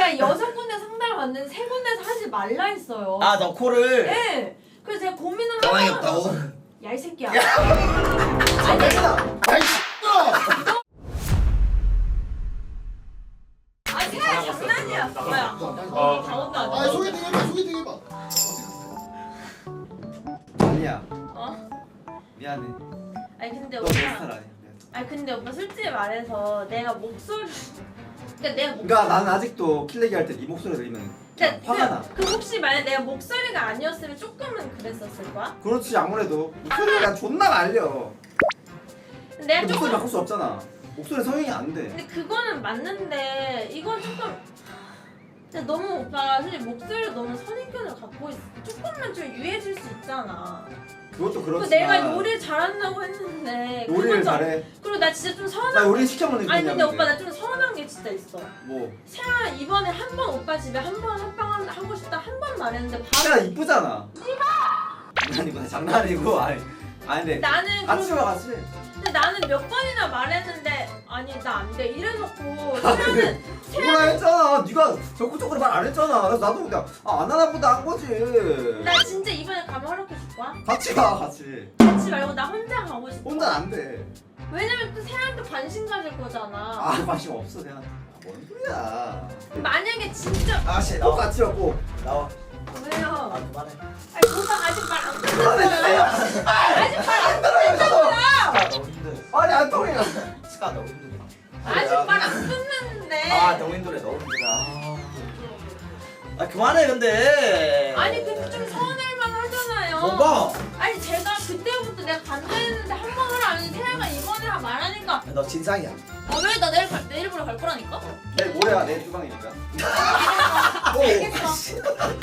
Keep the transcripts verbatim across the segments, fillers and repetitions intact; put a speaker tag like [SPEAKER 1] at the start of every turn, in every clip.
[SPEAKER 1] 제가 여섯 군데 상담을 받는데 세 군데에서 하지 말라 했어요.
[SPEAKER 2] 아, 너 코를.
[SPEAKER 1] 네. 그래서 제가 고민을
[SPEAKER 2] 가만히
[SPEAKER 1] 하다가
[SPEAKER 2] 없다고.
[SPEAKER 1] 야 이 새끼야.
[SPEAKER 2] 야,
[SPEAKER 1] 아니
[SPEAKER 3] 야이 씨X야!
[SPEAKER 1] 아 제가 장난이야. 뭐야?
[SPEAKER 3] 어.
[SPEAKER 1] 다 온다.
[SPEAKER 3] 아 소개팅 해봐 소개팅 해봐.
[SPEAKER 4] 아니야.
[SPEAKER 1] 어?
[SPEAKER 4] 미안해.
[SPEAKER 1] 아니 근데
[SPEAKER 4] 너 내 스타일
[SPEAKER 1] 오빠.
[SPEAKER 4] 아니야. 미안해.
[SPEAKER 1] 아니 근데 오빠 솔직히 말해서 내가 목소리. 그러니까 내가 목.
[SPEAKER 4] 그러니까 나는 아직도 킬레기 할 때 네 목소리 들으면 그냥 화가 나.
[SPEAKER 1] 그 혹시 만약 내가 목소리가 아니었으면 조금은 그랬었을 거야?
[SPEAKER 4] 그렇지 아무래도 목소리가 존나 말려.
[SPEAKER 1] 근데 내가
[SPEAKER 4] 근데 목소리
[SPEAKER 1] 조금.
[SPEAKER 4] 바꿀 수 없잖아. 목소리 성형이 안 돼.
[SPEAKER 1] 근데 그거는 맞는데 이건 조금. 근데 너무 오빠 솔직히 목소리로 너무 선입견을 갖고 있어. 조금만 좀 유해질 수 있잖아.
[SPEAKER 4] 그것도
[SPEAKER 1] 그
[SPEAKER 4] 그렇지만.
[SPEAKER 1] 내가 요리를 잘한다고 했는데.
[SPEAKER 4] 요리를
[SPEAKER 1] 그건 좀-
[SPEAKER 4] 잘해.
[SPEAKER 1] 그리고 나 진짜 좀 서운한.
[SPEAKER 4] 나 요리 시켜 먹는
[SPEAKER 1] 아니 근데
[SPEAKER 4] 중이야,
[SPEAKER 1] 오빠 나 좀 서운한 게 진짜 있어.
[SPEAKER 4] 뭐.
[SPEAKER 1] 세아 이번에 한 번 오빠 집에 한 번 합방 하고 싶다 한 번 말했는데 바로.
[SPEAKER 4] 진짜 이쁘잖아. 장난이고 장난이고 아니 아니 근데
[SPEAKER 1] 나는
[SPEAKER 4] 같이
[SPEAKER 1] 그럼-
[SPEAKER 4] 와 같이.
[SPEAKER 1] 근데 나는 몇 번이나 말했는데 아니 나 안 돼 이래놓고 세아는
[SPEAKER 4] 뭐라 했잖아. 네가 적극적으로 말 안 했잖아. 그래서 나도 그냥 아, 안 하나 보다 한 거지.
[SPEAKER 1] 나 진짜 이번에 가면 허락해 줄 거야?
[SPEAKER 4] 같이 가 같이.
[SPEAKER 1] 같이 말고 나 혼자 가고 싶어.
[SPEAKER 4] 혼자 안 돼.
[SPEAKER 1] 왜냐면 또 세아한테 관심 가질 거잖아.
[SPEAKER 4] 아 관심 없어 내가. 뭔 소리야.
[SPEAKER 1] 만약에 진짜
[SPEAKER 2] 아씨,
[SPEAKER 4] 꼭
[SPEAKER 2] 나와.
[SPEAKER 4] 같이 왔고 나와.
[SPEAKER 1] 왜요?
[SPEAKER 2] 아, 그만해.
[SPEAKER 1] 아니 오빠 아직 말 안
[SPEAKER 4] 그만해
[SPEAKER 1] 끝났어요.
[SPEAKER 4] 주세요.
[SPEAKER 1] 아직 말 안 끝났어요.
[SPEAKER 2] 시간 너무 힘들어.
[SPEAKER 4] 아니 안 통해.
[SPEAKER 2] 시간 너무 힘들어.
[SPEAKER 1] 아직 말 안 끝났는데.
[SPEAKER 2] 아, 너무 힘들어, 너무 힘들어. 아, 그만해, 근데.
[SPEAKER 1] 아니 근데 좀 서운할만 하잖아요.
[SPEAKER 2] 뭐가?
[SPEAKER 1] 아니 제가 그때부터 내가 간다 했는데 한 번을 안 했는데 세아가 이번에 말하니까
[SPEAKER 2] 너 진상이야.
[SPEAKER 1] 아 왜 나 내일 갈 내일 보러 갈 거라니까?
[SPEAKER 4] 내일 모레야 내 주방이니까.
[SPEAKER 1] 알겠어.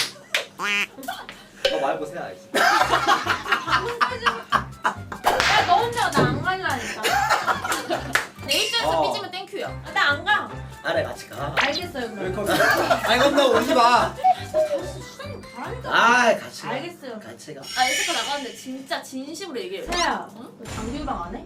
[SPEAKER 4] 너 말고 세야지.
[SPEAKER 1] 방금까지 야너 혼자 나 안 갈라니까.
[SPEAKER 5] 내 입장에서
[SPEAKER 2] 어.
[SPEAKER 5] 삐지면 땡큐야.
[SPEAKER 1] 나 안 가.
[SPEAKER 2] 아래 같이 가.
[SPEAKER 1] 알겠어요 그럼.
[SPEAKER 2] 아니, 그럼 너 오지 마.
[SPEAKER 1] 다시 수장님 가라니까.
[SPEAKER 2] 아, 같이 가.
[SPEAKER 1] 알겠어요.
[SPEAKER 2] 같이 가.
[SPEAKER 5] 아 이제까 나가는데 진짜 진심으로 얘기해.
[SPEAKER 1] 세야, 응? 장비방 안 해?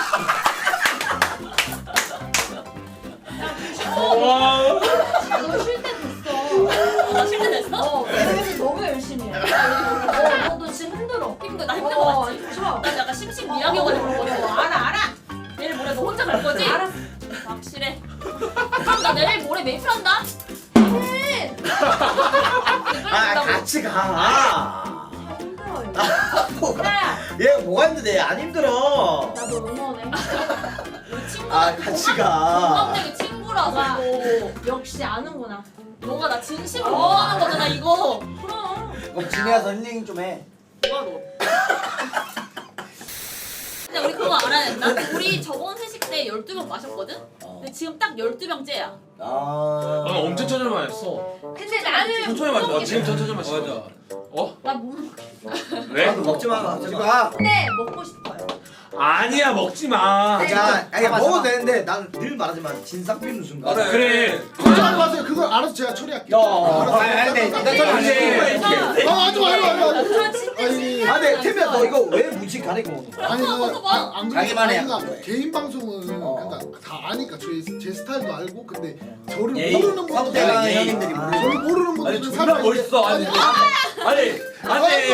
[SPEAKER 2] 와.
[SPEAKER 1] 너 쉴 때 됐어.
[SPEAKER 5] 나 쉴 때 됐어?
[SPEAKER 1] 어, 그래서 너무 열심히 해. 어, 너도 지금 힘들어.
[SPEAKER 5] 힘들어. 나 힘든
[SPEAKER 1] 어,
[SPEAKER 5] 거 맞지?
[SPEAKER 1] 그쵸?
[SPEAKER 5] 나 약간 심신미약이어가지고 그런 거지.
[SPEAKER 1] 어, 알아, 알아.
[SPEAKER 5] 내일 모레 너 혼자 갈 거지?
[SPEAKER 1] 알았어.
[SPEAKER 5] 확실해. 그럼 나 내일 모레 메이플 한다.
[SPEAKER 1] 해.
[SPEAKER 2] 아, 같이 가.
[SPEAKER 1] 힘들어요.
[SPEAKER 2] 뭐,
[SPEAKER 1] 세야,
[SPEAKER 2] 얘 뭐가 힘든데? 안 힘들어.
[SPEAKER 1] 나도 응원해.
[SPEAKER 5] 우리 친구.
[SPEAKER 2] 아, 같이 가.
[SPEAKER 5] 동갑내기 친구라서.
[SPEAKER 1] 와,
[SPEAKER 5] 이거.
[SPEAKER 1] 역시 아는구나.
[SPEAKER 5] 너가 나 진심으로 응원하는 거잖아 이거.
[SPEAKER 1] 그럼.
[SPEAKER 2] 그럼 집에 가서 힐링 좀 해.
[SPEAKER 5] 뭐야 너. 근데 우리 그거 알아야 된다. 우리 저번 회식 때 열두 병 마셨거든?
[SPEAKER 2] 어.
[SPEAKER 5] 근데 지금 딱 열두 병째야.
[SPEAKER 2] 아.
[SPEAKER 6] 아 엄청 천천히 마셨어.
[SPEAKER 1] 근데 나는
[SPEAKER 6] 천천히 마셨어. 아, 지금 천천히 마셨어. 맞아. 어?
[SPEAKER 1] 나못 먹겠어.
[SPEAKER 6] 왜?
[SPEAKER 2] 나도 먹지 마. 먹지 마.
[SPEAKER 1] 근데 먹고 싶어요.
[SPEAKER 6] 아니야 먹지 마.
[SPEAKER 2] 자, 아니
[SPEAKER 4] 잡아,
[SPEAKER 2] 먹어도
[SPEAKER 4] 잡아.
[SPEAKER 2] 되는데 난 늘 말하지만 진상 삐는 순간.
[SPEAKER 6] 그래. 그래.
[SPEAKER 3] 걱정하지 마세요. 그걸 알아서 제가 처리할게요.
[SPEAKER 2] 야,
[SPEAKER 3] 알아서.
[SPEAKER 2] 아니, 아니, 근데
[SPEAKER 3] 알아서.
[SPEAKER 2] 나
[SPEAKER 6] 아니,
[SPEAKER 2] 아니,
[SPEAKER 3] 아 하지 마요 하지 마요.
[SPEAKER 1] 저 진짜
[SPEAKER 3] 아니,
[SPEAKER 1] 진짜
[SPEAKER 2] 아, 근데 태미야 너 이거 왜 무지 가리고 먹는 거야?
[SPEAKER 3] 아니
[SPEAKER 5] 벗어 봐.
[SPEAKER 3] 안, 안
[SPEAKER 2] 자기만 해.
[SPEAKER 3] 그러니까 개인 방송은
[SPEAKER 2] 어.
[SPEAKER 3] 그러니까 다 아니까 제, 제 스타일도 알고 근데 저를
[SPEAKER 2] 예의,
[SPEAKER 3] 모르는
[SPEAKER 2] 성대가
[SPEAKER 3] 분들은
[SPEAKER 2] 예의. 형님들이
[SPEAKER 3] 아,
[SPEAKER 2] 모르는
[SPEAKER 3] 저를 모르는
[SPEAKER 6] 아니
[SPEAKER 3] 분들은
[SPEAKER 6] 존나 멋있어. 아니
[SPEAKER 3] 아니
[SPEAKER 6] 아니 아니.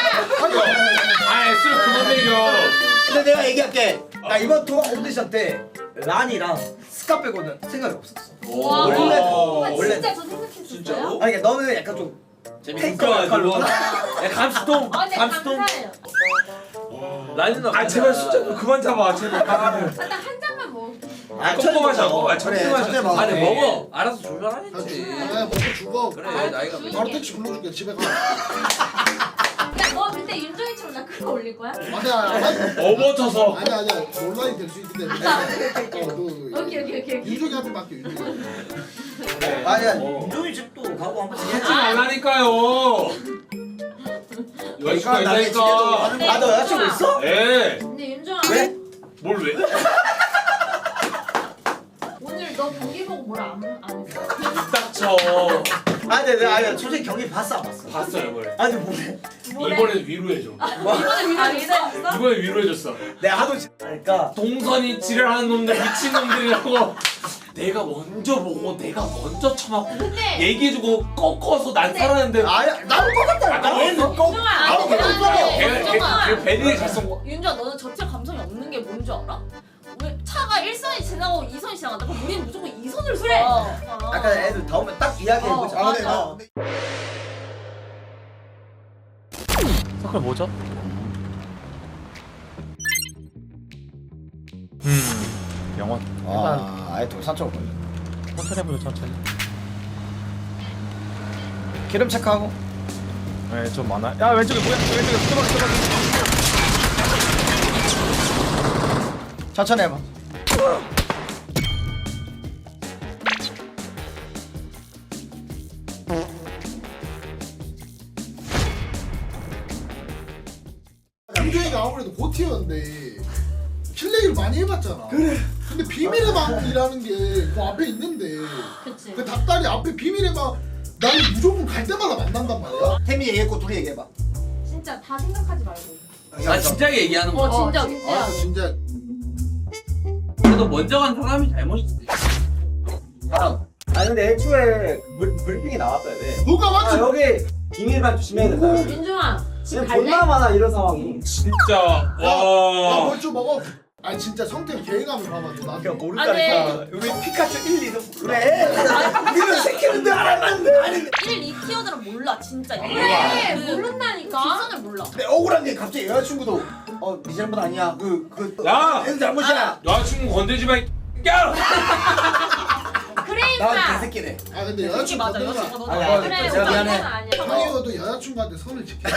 [SPEAKER 6] 아니 술 그만 먹여.
[SPEAKER 2] 근데 내가 얘기할게. 나 이번 투어 오디션 때 란이랑 스카 빼고는 생각이 없었어.
[SPEAKER 5] 와.
[SPEAKER 2] 원래
[SPEAKER 1] 아,
[SPEAKER 2] 원래
[SPEAKER 1] 진짜 저 생각했었어요?
[SPEAKER 6] 진짜로?
[SPEAKER 2] 아니 그러니까 너는 약간 좀 탱커 역할로.
[SPEAKER 6] 야 감수통.
[SPEAKER 1] 아, 네,
[SPEAKER 6] 감수통.
[SPEAKER 1] 감사해요.
[SPEAKER 6] 라니는 아 제발 숫자 좀 그만 잡아 제발.
[SPEAKER 1] 아, 나 한 잔만 먹을게.
[SPEAKER 2] 아,
[SPEAKER 6] 꼼꼼 마셔. 아
[SPEAKER 2] 그래,
[SPEAKER 6] 천천히 마셔.
[SPEAKER 2] 천천히 먹어.
[SPEAKER 7] 아니 먹어. 알아서
[SPEAKER 3] 아,
[SPEAKER 7] 조절하겠지.
[SPEAKER 3] 먹고 죽어
[SPEAKER 7] 그래
[SPEAKER 1] 아,
[SPEAKER 7] 나이가
[SPEAKER 1] 조용히
[SPEAKER 3] 바로
[SPEAKER 1] 해.
[SPEAKER 3] 택시 불러줄게 집에 가
[SPEAKER 1] 야, 너 그때 윤종이처럼 나 그거 올릴 거야?
[SPEAKER 3] 아니야 아니야
[SPEAKER 6] 어버터서.
[SPEAKER 3] 아니야 아니야 논란이 될 수 있기 때문에 어너
[SPEAKER 1] 오케이, 오케이, 오케이.
[SPEAKER 3] 윤종이한테 맡겨 윤종이
[SPEAKER 2] 아니야
[SPEAKER 6] 어.
[SPEAKER 2] 윤종이 집도 가고 한번
[SPEAKER 6] 하지 말라니까요. 여자친구가 있다니까.
[SPEAKER 2] 아, 너 여자친구 있어?
[SPEAKER 6] 예.
[SPEAKER 1] 근데 윤종아,
[SPEAKER 2] 왜?
[SPEAKER 6] 뭘 왜?
[SPEAKER 1] 오늘 너 경기 보고 뭘 안 안 했어?
[SPEAKER 6] 딱 쳐.
[SPEAKER 2] 아니, 내가 아니, 솔직히 경기 봤어, 안 봤어?
[SPEAKER 6] 봤어요 뭘.
[SPEAKER 2] 아니, 뭐래?
[SPEAKER 5] 뭐래?
[SPEAKER 6] 이번엔 위로해줘.
[SPEAKER 5] 이번에 위로했어?
[SPEAKER 6] 이번엔 위로해줬어.
[SPEAKER 2] 내가 하도 지- 그러니까
[SPEAKER 6] 동선이 지랄하는 놈들 미친 놈들이라고. 내가 먼저 보고 내가 먼저 처맞고
[SPEAKER 5] 근데
[SPEAKER 6] 얘기해주고 꺾어서 난 살았는데.
[SPEAKER 2] 아야 나도 똑같다니까. 얘는 꼭
[SPEAKER 5] 윤정아,
[SPEAKER 2] 아무
[SPEAKER 5] 근데
[SPEAKER 2] 것도
[SPEAKER 5] 나는
[SPEAKER 2] 없어.
[SPEAKER 6] 걔가
[SPEAKER 5] 윤정아.
[SPEAKER 6] 걔 베리에 잘 쏜 거.
[SPEAKER 5] 윤주야 너는 저체 감성이 없는 게 뭔 줄 알아? 왜 차가 일 선이 지나고 이 선이 지나간다? 그럼 우리는 무조건 이 선을 써.
[SPEAKER 1] 그래.
[SPEAKER 2] 아까 애들 다 오면 딱 이야기해보자.
[SPEAKER 5] 어,
[SPEAKER 2] 아, 근데
[SPEAKER 5] 맞아.
[SPEAKER 2] 나
[SPEAKER 6] 서클 뭐죠? 음 영원.
[SPEAKER 2] 아, 아예 돌산 쪽으로 걸려.
[SPEAKER 6] 천천히 해보자 천천히.
[SPEAKER 2] 기름 체크하고.
[SPEAKER 6] 네좀 많아. 야 왼쪽에 뭐야? 왼쪽에 수박 수박.
[SPEAKER 2] 천천히 해봐.
[SPEAKER 3] 윤종이가 아무래도 고티였는데 킬레기를 많이 해봤잖아. 그래. 근데 비밀의 방이라는 게 그 앞에 있는데
[SPEAKER 5] 그치.
[SPEAKER 3] 그 닭다리 앞에 비밀의 방 나는 무조건 갈 때마다 만난단 말이야.
[SPEAKER 2] 태미 얘기했고 둘이 얘기해봐.
[SPEAKER 1] 진짜 다 생각하지 말고.
[SPEAKER 7] 아 진지하게 얘기하는 거야.
[SPEAKER 5] 어 진짜
[SPEAKER 1] 어,
[SPEAKER 5] 진짜.
[SPEAKER 3] 아 진짜
[SPEAKER 7] 그래도 먼저 간 사람이 잘못이지.
[SPEAKER 4] 사람. 아니 근데 애초에 ブ, 브리핑이 나왔어야 돼.
[SPEAKER 3] 누가
[SPEAKER 4] 아
[SPEAKER 3] 맞지?
[SPEAKER 4] 여기 비밀만 조심해야 된다.
[SPEAKER 1] 윤종아 지금
[SPEAKER 4] 지금
[SPEAKER 1] 갈래?
[SPEAKER 4] 존나 많아 이런 상황이.
[SPEAKER 6] 진짜
[SPEAKER 3] 야
[SPEAKER 6] 와.
[SPEAKER 3] 벌써 먹어. 아 진짜 성태 계획하면 봐봐. 너
[SPEAKER 2] 그냥
[SPEAKER 3] 나한테
[SPEAKER 2] 모른다니까. 우리 피카츄 일, 이는 그래. 니는 새끼는데 알았는데. 아니
[SPEAKER 5] 일, 이 티어들은 몰라 진짜.
[SPEAKER 1] 그래
[SPEAKER 5] 그
[SPEAKER 1] 모른다니까.
[SPEAKER 5] 뒷선을 몰라.
[SPEAKER 2] 근데 억울한 게 갑자기 여자친구도 어네 잘못 아니야. 그그
[SPEAKER 6] 야!
[SPEAKER 2] 애들 잘못이야.
[SPEAKER 6] 여자친구 건들지 마. 야!
[SPEAKER 1] 그러니까.
[SPEAKER 2] 난 개새끼네.
[SPEAKER 3] 아 근데
[SPEAKER 5] 그게
[SPEAKER 3] 여자친구
[SPEAKER 5] 맞아.
[SPEAKER 3] 건드리면
[SPEAKER 5] 여자친구 너.
[SPEAKER 2] 아니, 아니,
[SPEAKER 1] 그래
[SPEAKER 2] 제가
[SPEAKER 1] 오빠
[SPEAKER 2] 미안해.
[SPEAKER 1] 이건 아니야.
[SPEAKER 3] 형이어도 여자친구한테 선을 지켜.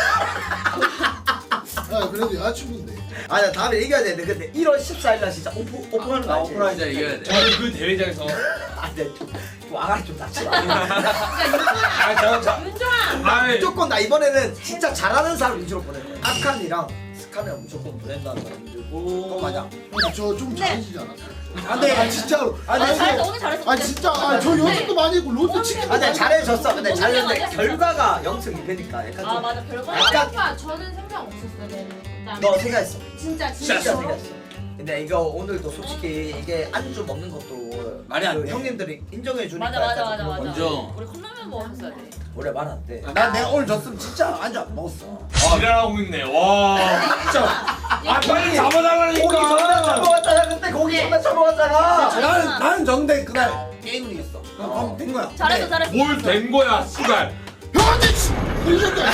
[SPEAKER 3] 아 그래도 여자친구인데.
[SPEAKER 2] 아니 다음에 얘기해야 되는데 근데 일월 십사일 날 진짜 오프 오픈하는 거
[SPEAKER 7] 아,
[SPEAKER 2] 알지?
[SPEAKER 7] 오프라인 진짜 이겨야 돼.
[SPEAKER 6] 저는 그 대회장에서
[SPEAKER 2] 안돼 좀, 좀 아가리 좀 닥치라.
[SPEAKER 6] 아 저, 저,
[SPEAKER 1] 윤종아.
[SPEAKER 6] 아이
[SPEAKER 2] 무조건 나 이번에는 진짜 잘하는 사람 위주로 보낼 거야. 아칸이랑 스카는 무조건 보낸다는 거 들고. 그거 맞아.
[SPEAKER 3] 근데 저 좀 잘해지지 않았어요?
[SPEAKER 2] 안돼.
[SPEAKER 3] 아 진짜로.
[SPEAKER 2] 아니,
[SPEAKER 3] 아니,
[SPEAKER 5] 잘했어 오늘 잘했어.
[SPEAKER 3] 아 진짜 아, 저 연습도 많이 했고 롯데 치킨도
[SPEAKER 2] 아, 근데
[SPEAKER 3] 많이
[SPEAKER 2] 잘해줬어. 근데
[SPEAKER 5] 오늘
[SPEAKER 2] 잘했는데
[SPEAKER 5] 맞아.
[SPEAKER 2] 결과가 영승 이 패니까 약간
[SPEAKER 5] 아
[SPEAKER 2] 좀.
[SPEAKER 5] 맞아 별거.
[SPEAKER 2] 약간-
[SPEAKER 1] 오빠 저는 생각 없었어요. 얘는. 나
[SPEAKER 2] 너 생각했어.
[SPEAKER 1] 진짜
[SPEAKER 2] 진짜
[SPEAKER 1] 진짜.
[SPEAKER 2] 생각했어. 근데 이거 오늘도 솔직히 이게 안주 먹는 것도
[SPEAKER 7] 말이 안
[SPEAKER 2] 그
[SPEAKER 7] 돼.
[SPEAKER 2] 형님들이 인정해 주니까
[SPEAKER 5] 맞아 맞아
[SPEAKER 2] 약간
[SPEAKER 5] 맞아
[SPEAKER 2] 좀
[SPEAKER 5] 맞아.
[SPEAKER 7] 먼저.
[SPEAKER 5] 우리 컵라면 먹었어야 돼.
[SPEAKER 2] 원래 말 안 돼. 난 내가 오늘 졌으면 진짜 안주 안 먹었어.
[SPEAKER 6] 지랄하고 있네. 와. 진짜. 아 빨리
[SPEAKER 2] 고기 존나
[SPEAKER 6] 잡아달라니까.
[SPEAKER 2] 처먹었잖아. 근데 고기 존나 처먹었잖아.
[SPEAKER 5] 나는-
[SPEAKER 2] 나는 졌는데 그날 게임을 이겼어. 그럼 된 거야.
[SPEAKER 5] 잘했어 잘했어.
[SPEAKER 6] 뭘 된 거야, 씨발.
[SPEAKER 3] 형한테 치- 들렸다.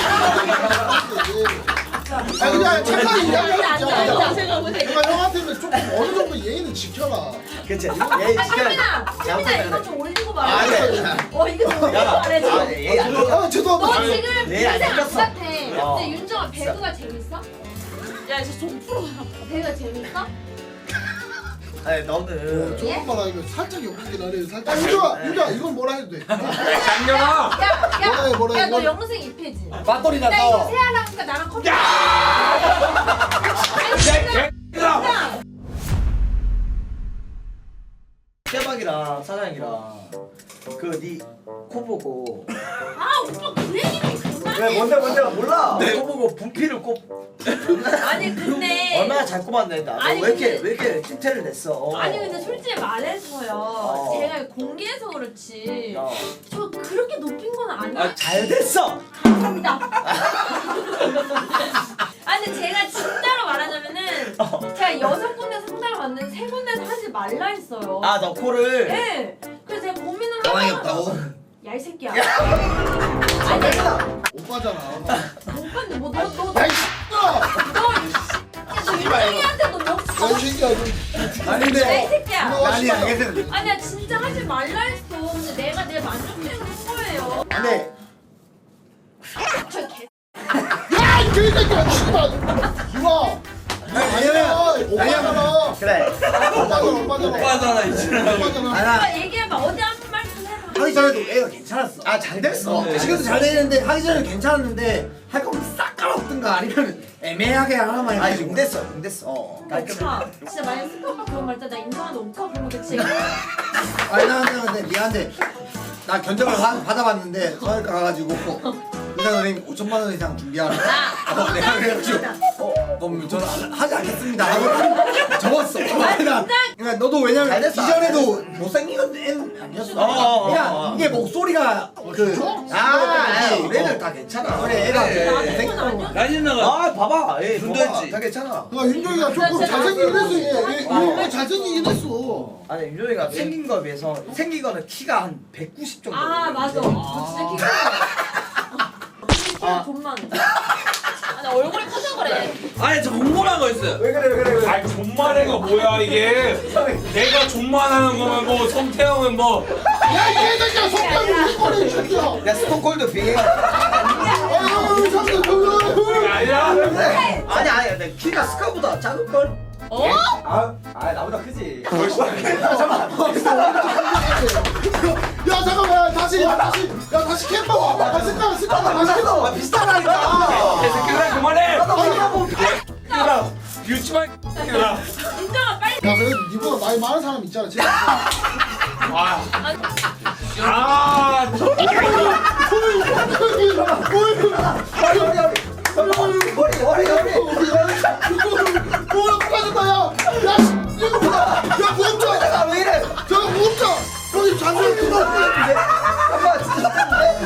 [SPEAKER 3] 아 그냥 착하게
[SPEAKER 5] 앉아 앉아
[SPEAKER 3] 이야기하자.
[SPEAKER 5] 앉아. 제가 보세.
[SPEAKER 3] 내가 형한테는 조금 어느 정도 예의는 지켜라.
[SPEAKER 2] 그치. 얘
[SPEAKER 1] 아 태민아, 태민아 이거 좀 올리고 말해.
[SPEAKER 2] 아, 네.
[SPEAKER 1] 어 이거 좀 올리고
[SPEAKER 2] 야,
[SPEAKER 1] 말해.
[SPEAKER 2] 아, 얘 안 돼.
[SPEAKER 3] 아 죄송합니다.
[SPEAKER 1] 너 지금
[SPEAKER 2] 내 안
[SPEAKER 1] 인생 안
[SPEAKER 2] 생겼어.
[SPEAKER 1] 같아.
[SPEAKER 2] 어.
[SPEAKER 1] 근데 윤정아 배그가 재밌어?
[SPEAKER 5] 야 이제 좀 풀어.
[SPEAKER 1] 배그가 재밌어?
[SPEAKER 2] 아니 너는
[SPEAKER 3] 조금 말하기가 살짝 엮이긴 하네. 살짝. 윤주아, 윤주아 이건 뭐라 해도 돼.
[SPEAKER 6] 장년아.
[SPEAKER 1] 야,
[SPEAKER 3] 뭐라 해, 뭐라 해,
[SPEAKER 1] 야, 야, 너
[SPEAKER 3] 이건-
[SPEAKER 1] 영생 이 패지.
[SPEAKER 2] 맞돌이
[SPEAKER 1] 야, 이거
[SPEAKER 2] 나서.
[SPEAKER 1] 세아랑니까 나랑 컴퓨터.
[SPEAKER 6] 야, 개X다.
[SPEAKER 2] 대박이랑 사장이랑 그 니 코 보고
[SPEAKER 5] 아 오빠 그 얘기는 그만해.
[SPEAKER 4] 왜 뭔데 뭔데 몰라.
[SPEAKER 2] 내 코 보고 분필을 꼽
[SPEAKER 1] 아니 근데
[SPEAKER 2] 얼마나 잘 꼽았네. 나.
[SPEAKER 1] 아니,
[SPEAKER 2] 왜 이렇게
[SPEAKER 1] 근데-
[SPEAKER 2] 왜 이렇게 낌태를 냈어?
[SPEAKER 1] 아니 근데 솔직히 말해서요.
[SPEAKER 2] 어.
[SPEAKER 1] 제가 공개해서 그렇지.
[SPEAKER 2] 야,
[SPEAKER 1] 저 그렇게 높인 건 아니에요.
[SPEAKER 2] 아, 잘 됐어.
[SPEAKER 1] 감사합니다. 아니 근데 제가 진짜로 말하자면은
[SPEAKER 2] 어.
[SPEAKER 1] 제가 여섯 군데 상담을 받는데 세 군데서 하지 말라 했어요.
[SPEAKER 2] 아, 너 코를
[SPEAKER 1] 네. 그래서 제가 고민을
[SPEAKER 2] 가만히
[SPEAKER 1] 하다가
[SPEAKER 2] 없다고.
[SPEAKER 1] 야 이 새끼야.
[SPEAKER 2] 아, 됐어.
[SPEAKER 3] 오빠잖아.
[SPEAKER 1] 오빠는 뭐너너너
[SPEAKER 3] 야이 씨발.
[SPEAKER 1] 윤정이한테 너 명.
[SPEAKER 3] 야이 새끼야. 너.
[SPEAKER 2] 아니
[SPEAKER 1] 야이
[SPEAKER 2] 근데
[SPEAKER 1] 새끼야.
[SPEAKER 3] 너
[SPEAKER 2] 아니
[SPEAKER 3] 씨발.
[SPEAKER 2] 알겠어.
[SPEAKER 1] 아니야 진짜 하지 말라 했어. 근데 내가 내 만족해서 한 거예요.
[SPEAKER 2] 근데
[SPEAKER 1] 저 개.
[SPEAKER 3] 야이 개새끼야. 씨발. 이거.
[SPEAKER 2] 왜냐면
[SPEAKER 3] 오빠잖아.
[SPEAKER 2] 그래.
[SPEAKER 3] 오빠잖아. 오빠잖아.
[SPEAKER 7] 오빠잖아 이 지랄하고.
[SPEAKER 3] 오빠잖아.
[SPEAKER 2] 아나
[SPEAKER 1] 오빠 얘기해봐. 어디 한 말씀 해봐.
[SPEAKER 2] 하기 전에도 애가 괜찮았어. 아, 잘 됐어.
[SPEAKER 7] 네.
[SPEAKER 2] 지금도 잘 되는데 하기 전에는 괜찮았는데 할 거면 싹 깔아엎든가 아니면 애매하게 하나만 해. 아니, 용됐어. 용됐어. 어.
[SPEAKER 1] 오빠 진짜 만약 스카 오빠 그런 말 했다 나 인정하는데 오빠 그런 거 대체.
[SPEAKER 2] 아니 나 근데 근데 미안한데 나 견적을 하- 받아봤는데 서울과 가가지고 의사 선생님 오천만 원 이상 준비하라. 어, 내가 그래가지고 어 그럼 저는 안- 하지 않겠습니다. 하고 적었어. 그러니까, 그러니까 너도 왜냐면
[SPEAKER 4] 잘 됐어.
[SPEAKER 2] 이전에도 못생긴 애 아니었어.
[SPEAKER 4] 어, 어,
[SPEAKER 2] 그냥
[SPEAKER 4] 어, 어.
[SPEAKER 2] 이게 목소리가 그
[SPEAKER 4] 아,
[SPEAKER 2] 어.
[SPEAKER 4] 우리들 다 괜찮아.
[SPEAKER 2] 그래 애가
[SPEAKER 7] 그래.
[SPEAKER 2] 못생긴 거.
[SPEAKER 7] 다시 나가.
[SPEAKER 4] 아, 봐봐. 에이,
[SPEAKER 7] 준도했지.
[SPEAKER 4] 다 괜찮아.
[SPEAKER 3] 야 윤종이가 조금 잘생기긴 했어. 얘, 얘, 얘 잘생기긴 했어.
[SPEAKER 4] 아니, 윤종이가 생긴 거에 비해서 생긴 거는 키가 한 백구십 정도.
[SPEAKER 1] 아 맞아. 저 진짜 키가 키가 존만.
[SPEAKER 5] 아니 얼굴이 커서 그래.
[SPEAKER 7] 아니 저 궁금한 거 있어요.
[SPEAKER 4] 왜 그래, 왜 그래, 왜 그래.
[SPEAKER 6] 아니 존만해가 뭐야 이게? 내가 존만하는 거면 뭐 성태형은 뭐
[SPEAKER 3] 야, 이 새끼야, 속담이 우리 거래, 이 새끼야.
[SPEAKER 4] 야, 스톤콜드 빙해.
[SPEAKER 3] 아유, 잠깐, 잠깐.
[SPEAKER 6] 아니야?
[SPEAKER 4] 아니, 아니, 근데 키가 스카보다 작을걸?
[SPEAKER 5] 어?
[SPEAKER 4] 아, 아, 나보다 크지.
[SPEAKER 3] 야, 잠깐만, 야, 다시, 야, 다시, 야, 다시 캠퍼 와봐. 야, 스카, 스카, 다시 캠퍼.
[SPEAKER 4] 아, 비슷하다니까.
[SPEAKER 6] 개새끼들아 그만해!
[SPEAKER 7] 아,
[SPEAKER 6] 뷰티만 새끼들아.
[SPEAKER 1] 인정아 빨리.
[SPEAKER 3] 야, 그래도 니보다 나이 많은 사람 있잖아, 진짜.
[SPEAKER 6] 아, 아, 저
[SPEAKER 4] 머리, 머리, 머리.
[SPEAKER 3] 뭐야, 부러졌다, 야. 야, 씨, 이거 뭐야. 야, 무겁자.
[SPEAKER 4] 내가 왜 이래?
[SPEAKER 3] 저거 무겁자. 여기 잔소리 좀 하지.
[SPEAKER 4] 아빠 진짜 나쁜데?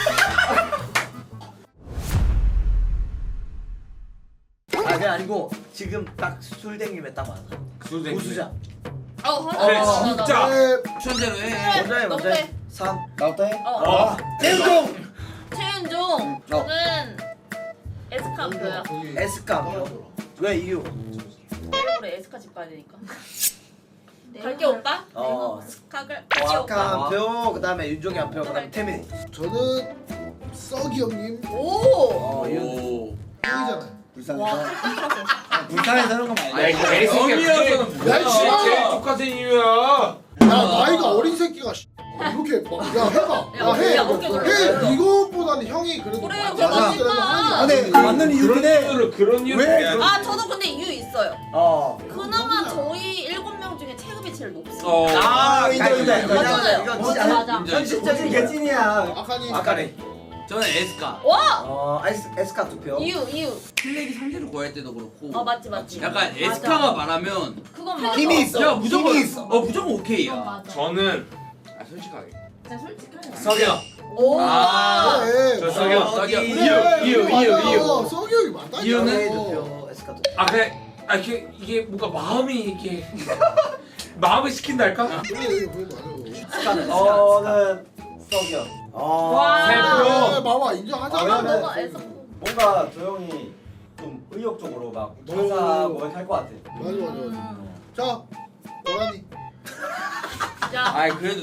[SPEAKER 4] 아, 그게 아니고 지금 딱 술땡김에 딱 맞아.
[SPEAKER 6] 술쟁이.
[SPEAKER 4] 우수자.
[SPEAKER 5] 어,
[SPEAKER 6] 그래,
[SPEAKER 5] 맞아.
[SPEAKER 6] 진짜.
[SPEAKER 3] 네,
[SPEAKER 7] 천재로 해.
[SPEAKER 4] 먼저 해,
[SPEAKER 5] 너
[SPEAKER 4] 먼저
[SPEAKER 5] 빼.
[SPEAKER 4] 해. 삼.
[SPEAKER 2] 나부터 해.
[SPEAKER 5] 어.
[SPEAKER 6] 어.
[SPEAKER 2] 태우종.
[SPEAKER 5] 최윤종. 저는 에스카표야.
[SPEAKER 4] 에스카. 왜 이유?
[SPEAKER 5] 얼굴에 에스카 집 가야 되니까. 갈게 오빠?
[SPEAKER 4] 어.
[SPEAKER 5] 스카글.
[SPEAKER 4] 아까 한 표, 그다음에 윤종이 한 표, 그다음에 태민이.
[SPEAKER 3] 저는 썩이 형님
[SPEAKER 5] 오.
[SPEAKER 4] 어, 윤.
[SPEAKER 7] 오.
[SPEAKER 3] 형이잖아요.
[SPEAKER 2] 불쌍해서. 아, 불쌍해서 그런 거
[SPEAKER 6] 아이
[SPEAKER 2] 말고.
[SPEAKER 6] 개새끼야 그게
[SPEAKER 3] 야, 씨발.
[SPEAKER 6] 뭐야? 제일 똑같은 이유야.
[SPEAKER 3] 야, 나이가 어린 새끼가 씨, 이렇게 막, 야, 해봐.
[SPEAKER 5] 야,
[SPEAKER 3] 야, 해.
[SPEAKER 5] 야, 어깨 눌러.
[SPEAKER 3] 해. 이거보다는 형이 그래도
[SPEAKER 5] 그래,
[SPEAKER 3] 많이
[SPEAKER 5] 그래,
[SPEAKER 3] 많이 그래도
[SPEAKER 5] 맞아.
[SPEAKER 3] 하는 게
[SPEAKER 2] 아, 근데
[SPEAKER 3] 낫지.
[SPEAKER 2] 그 맞는 이유긴
[SPEAKER 6] 그런
[SPEAKER 2] 해.
[SPEAKER 6] 이유를 그런 이유를
[SPEAKER 2] 왜?
[SPEAKER 6] 해야지.
[SPEAKER 5] 아 저도 근데 이유 있어요.
[SPEAKER 4] 어.
[SPEAKER 5] 그나마 저희 일곱 명 중에 체급이 제일 높습니다.
[SPEAKER 7] 어.
[SPEAKER 4] 아,
[SPEAKER 2] 인정, 인정, 인정.
[SPEAKER 5] 맞아요.
[SPEAKER 4] 이건
[SPEAKER 1] 맞아,
[SPEAKER 4] 진짜
[SPEAKER 1] 맞아.
[SPEAKER 4] 현실적인 개찐이야.
[SPEAKER 3] 아까니.
[SPEAKER 4] 아까네.
[SPEAKER 7] 저는 에스카.
[SPEAKER 5] 와.
[SPEAKER 4] 어, 에스 에스카 두 표.
[SPEAKER 5] 이유 이유.
[SPEAKER 7] 플렉이 상대를 구할 때도 그렇고.
[SPEAKER 5] 어 맞지 맞지.
[SPEAKER 7] 약간 에스카가 말하면
[SPEAKER 5] 그건 맞아.
[SPEAKER 2] 힘이 있어.
[SPEAKER 7] 야 무조건
[SPEAKER 2] 힘이 있어.
[SPEAKER 7] 어 무조건 오케이야.
[SPEAKER 1] 맞아.
[SPEAKER 6] 저는 아 솔직하게
[SPEAKER 1] 진짜 솔직하게.
[SPEAKER 6] 석영.
[SPEAKER 5] 오.
[SPEAKER 7] 아.
[SPEAKER 3] 그래.
[SPEAKER 6] 저 석영.
[SPEAKER 7] 어,
[SPEAKER 6] 석영.
[SPEAKER 7] 이유,
[SPEAKER 3] 그래,
[SPEAKER 6] 이유
[SPEAKER 3] 그래,
[SPEAKER 6] 이유
[SPEAKER 3] 맞아.
[SPEAKER 6] 이유.
[SPEAKER 3] 썩이 형이 맞다.
[SPEAKER 7] 이유는?
[SPEAKER 4] 두 표, 에스카 두 표.
[SPEAKER 6] 아 그래. 아 이게 이게 뭔가 마음이 이렇게 마음을 시킨달까?
[SPEAKER 3] 그래, 그래, 맞아.
[SPEAKER 4] 저는 썩이 형. 어.
[SPEAKER 5] 와.
[SPEAKER 6] 세 표.
[SPEAKER 3] 네, 봐봐, 인정하잖아.
[SPEAKER 4] 아,
[SPEAKER 5] 아,
[SPEAKER 4] 그러면-
[SPEAKER 5] 너가 에스카.
[SPEAKER 4] 뭔가 조용히 좀 의욕적으로 막 회사 고백할 것 같아.
[SPEAKER 3] 맞아, 맞아, 맞아. 자, 도란이.
[SPEAKER 5] 야.
[SPEAKER 7] 아이 그래도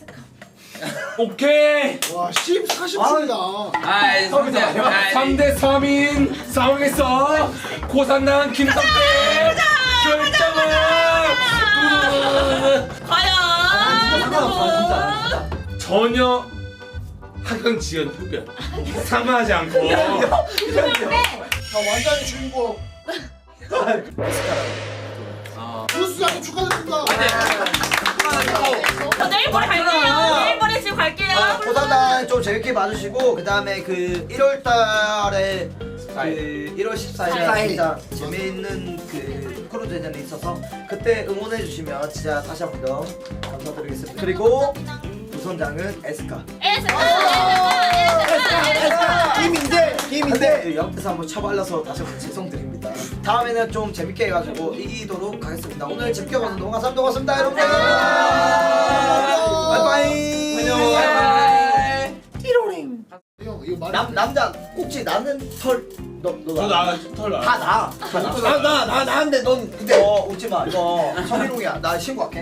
[SPEAKER 6] 오케이.
[SPEAKER 3] 와, 십, 사십 분이다.
[SPEAKER 7] 아이 성대. 아이,
[SPEAKER 6] 삼 대 삼인 상황에서 고산난 김성태 결정은
[SPEAKER 5] 과연.
[SPEAKER 4] 상관없어, 진짜.
[SPEAKER 6] 전혀 학연 지연 흡연 상하지 않고
[SPEAKER 3] 자, 완전히 주인공.
[SPEAKER 7] 어.
[SPEAKER 3] 주수장님 축하드립니다.
[SPEAKER 5] 저 내일 모레 갈게요. 내일 모레 지금 갈게요.
[SPEAKER 4] 고산단 좀 재밌게 봐주시고 그 다음에 그 일월달에 그 일월 십사일에
[SPEAKER 2] 십사일.
[SPEAKER 4] 진짜 재미있는 그 크루즈 대전이 있어서 그때 응원해주시면 진짜 다시 한 번 더 감사드리겠습니다. 그리고 부선장은 에스카.
[SPEAKER 5] 에스카. 에스카. 에스카.
[SPEAKER 2] 김인재. 김인재.
[SPEAKER 4] 근데 옆에서 한번 쳐발려서 다시 한번 죄송드립니다. 다음에는 좀 재밌게 해가지고 이기도록 하겠습니다. 오늘 재밌게 봐서 너무 감사합니다. 고맙습니다 여러분들. 바이바이.
[SPEAKER 6] 안녕.
[SPEAKER 7] 바이바이.
[SPEAKER 3] 형, 이거 말.
[SPEAKER 4] 남 남자 꼭지 나는 털너너
[SPEAKER 6] 저나털 나.
[SPEAKER 4] 다 나. 다 나.
[SPEAKER 2] 아, 나, 나, 나는데 넌 근데
[SPEAKER 4] 어 웃지 마. 이거 성희롱이야. 나 신고할게.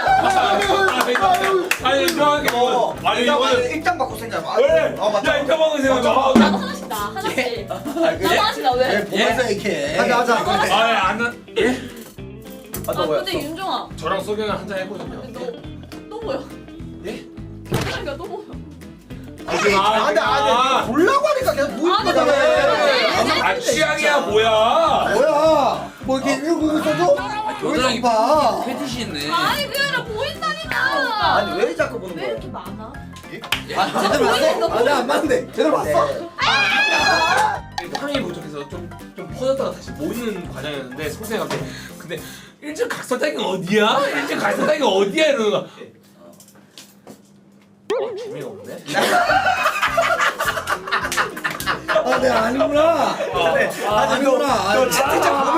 [SPEAKER 6] 아니 이상하게
[SPEAKER 4] 어,
[SPEAKER 6] 아니
[SPEAKER 4] 일단
[SPEAKER 6] 이거는
[SPEAKER 4] 일당 받고 생각. 아,
[SPEAKER 6] 왜?
[SPEAKER 4] 어 맞다.
[SPEAKER 6] 야 인터방을 생각해.
[SPEAKER 5] 나도 하나씩 나. 하나씩. 나도 하나씩 나 왜?
[SPEAKER 2] 보면서 이렇게.
[SPEAKER 4] 하자 하자.
[SPEAKER 6] 아예 안 예?
[SPEAKER 4] 아,
[SPEAKER 5] 아
[SPEAKER 4] 너 뭐야?
[SPEAKER 5] 근데 윤종아.
[SPEAKER 6] 저랑 소경이 한잔 했거든요.
[SPEAKER 5] 너또 뭐야?
[SPEAKER 6] 예?
[SPEAKER 5] 윤종이가 또 뭐야?
[SPEAKER 4] 아 근데 아 근데 보려고 하니까 계속 누울
[SPEAKER 5] 아,
[SPEAKER 4] 거잖아.
[SPEAKER 5] 네.
[SPEAKER 6] 아 취향이야 뭐야?
[SPEAKER 2] 뭐야? 뭐 이렇게 일구 있어줘?
[SPEAKER 7] 겨드랑이
[SPEAKER 2] 봐.
[SPEAKER 7] 패티시 있네.
[SPEAKER 5] 아니 그게 아니라 보인다니까.
[SPEAKER 4] 아니 왜 자꾸 보는
[SPEAKER 1] 왜
[SPEAKER 4] 거야?
[SPEAKER 1] 이렇게 많아?
[SPEAKER 3] 이게?
[SPEAKER 2] 아 제대로 봤어? 아 내가 안 봤는데 제대로 봤어?
[SPEAKER 6] 파밍이 부족해서 좀, 좀 퍼졌다가 다시 모이는 과정이었는데 선생님한테 근데 일찍 각설탕이 어디야? 일찍 각설탕이 어디야? 이러는 거야. 어, 재미가 없네.
[SPEAKER 2] 아 내가 아니구나
[SPEAKER 4] 그래.
[SPEAKER 2] 아,
[SPEAKER 4] 아니 너,
[SPEAKER 2] 아니구나.
[SPEAKER 4] 너
[SPEAKER 2] 아,
[SPEAKER 4] 채팅창